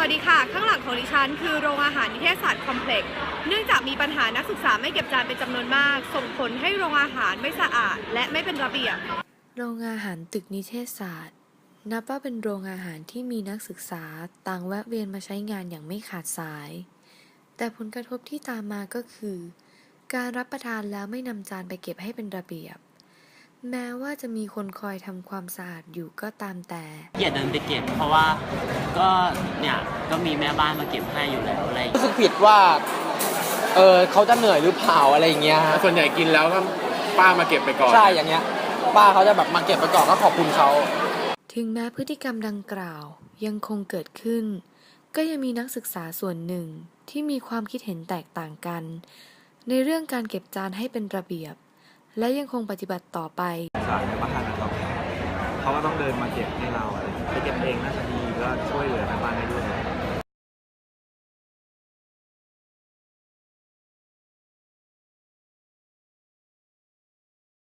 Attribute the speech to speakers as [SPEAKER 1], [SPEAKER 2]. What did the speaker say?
[SPEAKER 1] วัสดีค่ะข้างหลังของดิฉันคือโรงอาหารนิเทศศาสตร์คอมเพล็กซ์เนื่องจากมีปัญหานักศึกษาไม่เก็บจานเป็นจำนวนมากส่งผลให้โรงอาหารไม่สะอาดและไม่เป็นระเบียบ
[SPEAKER 2] โรงอาหารตึกนิเทศศาสตร์นับว่าเป็นโรงอาหารที่มีนักศึกษาต่างแวะเวียนมาใช้งานอย่างไม่ขาดสายแต่ผลกระทบที่ตามมาก็คือการรับประทานแล้วไม่นำจานไปเก็บให้เป็นระเบียบแม้ว่าจะมีคนคอยทำความสะอาดอยู่ก็ตามแต่
[SPEAKER 3] อย่าเดินไปเก็บเพราะว่าก็มีแม่บ้านมาเก็บให้อยู่แล้วอะไร
[SPEAKER 4] รู้สึกผิดว่าเขาจะเหนื่อยหรือเปล่าอะไรอย่างเงี้ย
[SPEAKER 5] ส่วนใหญ่กินแล้วก็ป้ามาเก็บไปก่อน
[SPEAKER 4] ใช่อย่างเงี้ยป้าเขาจะแบบมาเก็บไปก่อนก็ขอบคุณเขา
[SPEAKER 2] ถึงแม้พฤติกรรมดังกล่าวยังคงเกิดขึ้นก็ยังมีนักศึกษาส่วนหนึ่งที่มีความคิดเห็นแตกต่างกันในเรื่องการเก็บจานให้เป็นระเบียบและยังคงปฏิบัติต่อไป
[SPEAKER 6] สารในบ้านนะครับเขาก็ต้องเดินมาเก็บให้เราอะไรไปเก็บเองน่าจะดี